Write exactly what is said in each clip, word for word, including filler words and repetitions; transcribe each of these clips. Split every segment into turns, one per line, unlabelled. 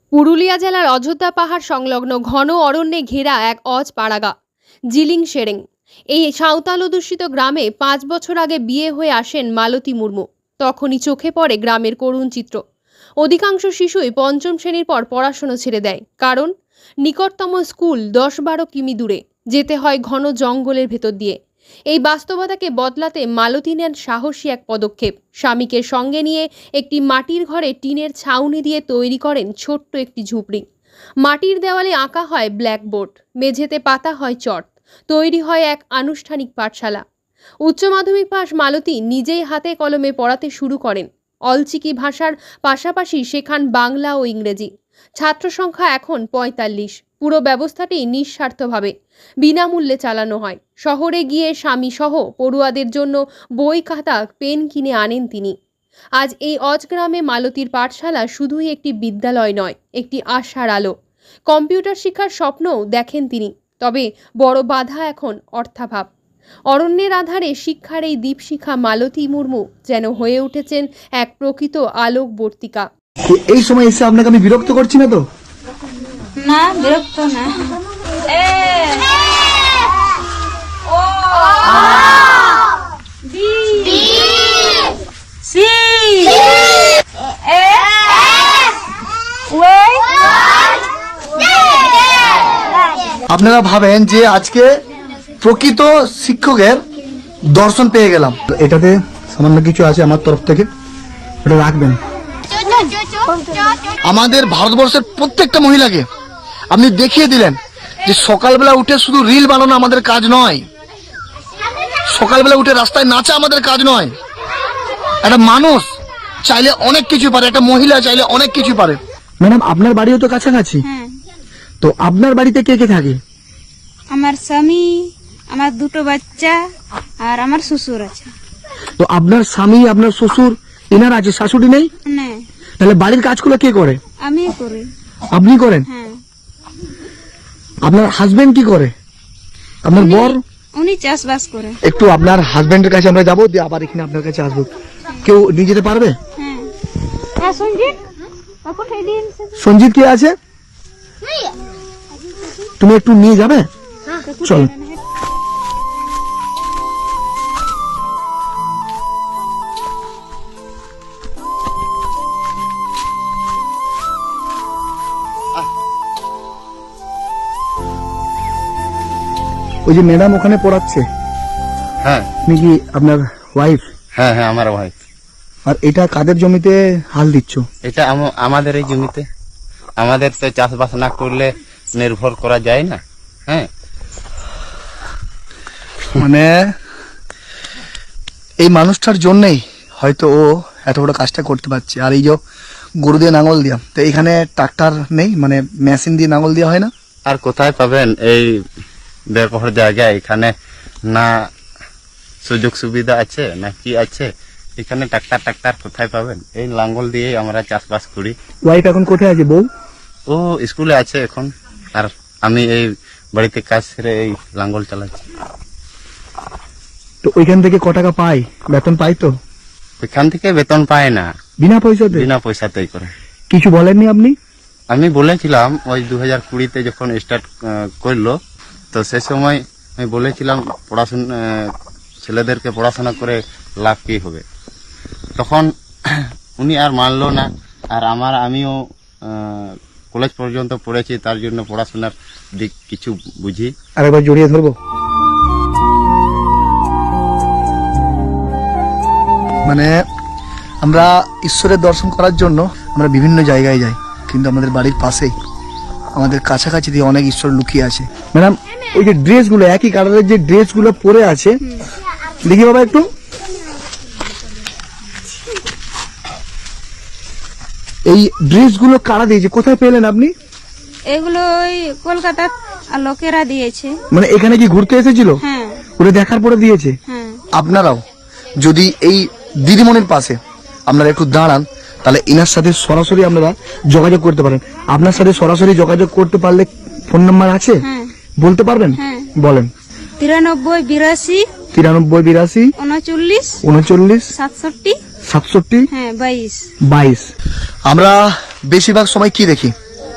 পুরুলিয়া জেলার অযোধ্যা পাহাড় সংলগ্ন ঘন অরণ্যে ঘেরা এক অজ পাড়াগা জিলিং সেরেং। এই সাঁওতাল অধ্যুষিত গ্রামে পাঁচ বছর আগে বিয়ে হয়ে আসেন মালতী মুর্মু। তখনই চোখে পড়ে গ্রামের করুণ চিত্র। অধিকাংশ শিশুই পঞ্চম শ্রেণীর পর পড়াশোনা ছেড়ে দেয়, কারণ নিকটতম স্কুল দশ বারো কিমি দূরে, যেতে হয় ঘন জঙ্গলের ভেতর দিয়ে। এই বাস্তবতাকে বদলাতে মালতী নেন সাহসী এক পদক্ষেপ। স্বামীকে সঙ্গে নিয়ে একটি মাটির ঘরে টিনের ছাউনি দিয়ে তৈরি করেন ছোট্ট একটি ঝুপড়ি। মাটির দেওয়ালে আঁকা হয় ব্ল্যাকবোর্ড, মেঝেতে পাতা হয় চট, তৈরি হয় এক আনুষ্ঠানিক পাঠশালা। উচ্চ মাধ্যমিক পাশ মালতী নিজেই হাতে কলমে পড়াতে শুরু করেন। অলচিকি ভাষার পাশাপাশি শেখান বাংলা ও ইংরেজি। ছাত্র সংখ্যা এখন পঁয়তাল্লিশ। পুরো ব্যবস্থাটি নিঃস্বার্থভাবে বিনামূল্যে চালানো হয়। শহরে গিয়ে স্বামী সহ পড়ুয়াদের জন্য বই, খাতা, পেন কিনে আনেন তিনি। আজ এই অজগ্রামে মালতীর পাঠশালা শুধুই একটি বিদ্যালয় নয়, একটি আশার আলো। কম্পিউটার শিক্ষার স্বপ্নও দেখেন তিনি, তবে বড় বাধা এখন অর্থাভাব। অরণ্যের আধারে শিক্ষার এই দীপশিখা মালতী মুর্মু যেন হয়ে উঠেছেন এক প্রকৃত আলোকবর্তিকা।
এই সময় এসে আপনাকে আমি বিরক্ত করছি না তো?
না, বিরক্ত না। এ ও বি সি এ ওয়ে।
আপনারা ভাবেন যে আজকে প্রকৃত শিক্ষকের দর্শন পেয়ে গেলাম। এটাতে সামান্য কিছু আছে আমার তরফ থেকে, এটা রাখবেন। আমাদের ভারতবর্ষের প্রত্যেকটা মহিলাকে আপনি দেখিয়ে দিলেন যে সকালবেলা উঠে শুধু রিল বানানো আমাদের কাজ নয়, সকালবেলা উঠে রাস্তায় নাচা আমাদের কাজ নয়। একটা মানুষ চাইলে অনেক কিছু পারে, একটা মহিলা চাইলে অনেক কিছু পারে। ম্যাডাম, আপনার বাড়িও তো কাছাকাছি, তো আপনার বাড়িতে কে কে থাকে?
আমার স্বামী, আমার দুটো বাচ্চা আর আমার শ্বশুর আছে।
তো আপনার স্বামী, আপনার শ্বশুর, এনার আছে, শাশুড়ি নেই?
না,
তাহলে বাড়ির কাজগুলো কে করে?
আমি করি।
আপনি করেন?
হ্যাঁ।
আপনার হাজবেন্ড কি করে? আপনার বর?
উনি চাষবাস করে।
একটু আপনার হাজবেন্ডের কাছে আমরা যাবো, দিয়ে আবার এখানে আপনার কাছে আসবো। কেউ নিয়ে যেতে পারবে?
হ্যাঁ। হ্যাঁ, সঞ্জিত আপু দিন।
সঞ্জিত কে আছে? তুমি একটু নিয়ে যাবে? চল। ওই যে ম্যাডাম ওখানে পড়াচ্ছে,
হ্যাঁ,
আপনি কি আপনার ওয়াইফ?
হ্যাঁ হ্যাঁ আমার ভাই।
আর এটা কাদের জমিতে হাল দিচ্ছ?
এটা আম- আমাদের এই জমিতে। আমাদের তো চাষবাস না করলে নির্ভর করা যায় না। হ্যাঁ,
মানে এই মানুষটার জন্যই হয়তো ও এত বড় কাজটা করতে পারছে। আর এই যে গরু দিয়ে নাঙল দিয়া, তো এখানে ট্রাক্টর নেই, মানে মেশিন দিয়ে নাঙল দেওয়া হয় না?
আর কোথায় পাবেন এই ব্যবহার জায়গায়? এখানে না সুযোগ সুবিধা আছে না কি আছে। এখানে ট্রাক্তার ট্রাক্তার কোথায় পাবেন? এই লাঙ্গল দিয়ে আমরা চাষবাস করি।
ওয়াইফ এখন কোথায় আছে? বউ?
ও স্কুলে আছে এখন, আর আমি এই বাড়িতে কাজ সেরে এই লাঙ্গল চালাচ্ছি।
তো ওইখান থেকে ক টাকা পাই? বেতন পাই তো?
এখান থেকে বেতন পায় না,
বিনা পয়সাতে?
বিনা পয়সাতেই করে।
কিছু বলেননি আপনি?
আমি বলেছিলাম ওই দু হাজার কুড়িতে যখন স্টার্ট করলো, তো সে সময় আমি বলেছিলাম পড়াশোনা ছেলেদেরকে পড়াশোনা করে লাভ কি হবে। তখন উনি আর মানলো না। আর আমার আমিও কলেজ পর্যন্ত পড়েছি, তার জন্য পড়াশোনার দিক কিছু বুঝি।
আরেকবার জড়িয়ে ধরবো। মানে আমরা ঈশ্বরের দর্শন করার জন্য আমরা বিভিন্ন জায়গায় যাই, কিন্তু আমাদের বাড়ির পাশেই, আমাদের কাছাকাছি দিয়ে অনেক ঈশ্বর লুকিয়ে আছে। ম্যাডাম, ওই যে ড্রেসগুলো, একই কালারের যে ড্রেসগুলো পরে আছে, দেখি বাবা একটু। এই ড্রেসগুলো কারা দিয়েছে? কোথায় পেলেন আপনি?
এগুলো ওই কলকাতার লোকেরা দিয়েছে।
মানে এখানে কি ঘুরতে এসেছিল?
হ্যাঁ।
ওরা দেখার পরে দিয়েছে?
হ্যাঁ।
আপনারাও যদি এই দিদিমণির পাশে আপনারা একটু দাঁড়ান, তাহলে ইনার সাথে সরাসরি আপনারা যোগাযোগ করতে পারেন। আপনার সাথে সরাসরি যোগাযোগ করতে পারলে ফোন নাম্বার আছে?
হ্যাঁ।
বলতে পারবেন?
হ্যাঁ।
বলেন।
তিরানব্বই বিরাশি
তিরানব্বই বিরাশি
উনচল্লিশ
উনচল্লিশ
সাতষট্টি
সাতষট্টি
হ্যাঁ বাইশ
বাইশ। আমরা বেশিরভাগ সময় কি দেখি?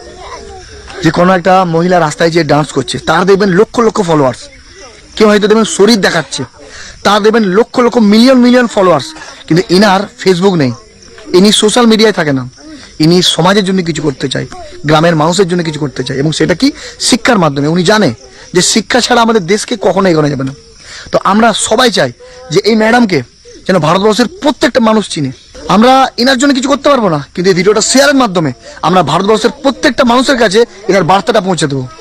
যে কোনো একটা মহিলা রাস্তায় যে ডান্স করছে তার দেখবেন লক্ষ লক্ষ ফলোয়ার্স, কেউ হয়তো দেখবেন শরীর দেখাচ্ছে, তার দেখবেন lakh lakh million million followers, কিন্তু ইনার ফেসবুক নেই, ইনি সোশ্যাল মিডিয়ায় থাকে না, ইনি সমাজের জন্য কিছু করতে চায়, গ্রামের মানুষের জন্য কিছু করতে চায়, এবং সেটা কি শিক্ষার মাধ্যমে। উনি জানে যে শিক্ষা ছাড়া আমাদের দেশকে কখনো এগোনো যাবে না। তো আমরা সবাই চাই যে এই ম্যাডামকে যেন ভারতবর্ষের প্রত্যেকটা মানুষ চিনে। আমরা এনার জন্য কিছু করতে পারবো না, কিন্তু এই ভিডিওটা শেয়ারের মাধ্যমে আমরা ভারতবর্ষের প্রত্যেকটা মানুষের কাছে এনার বার্তাটা পৌঁছে দেবো।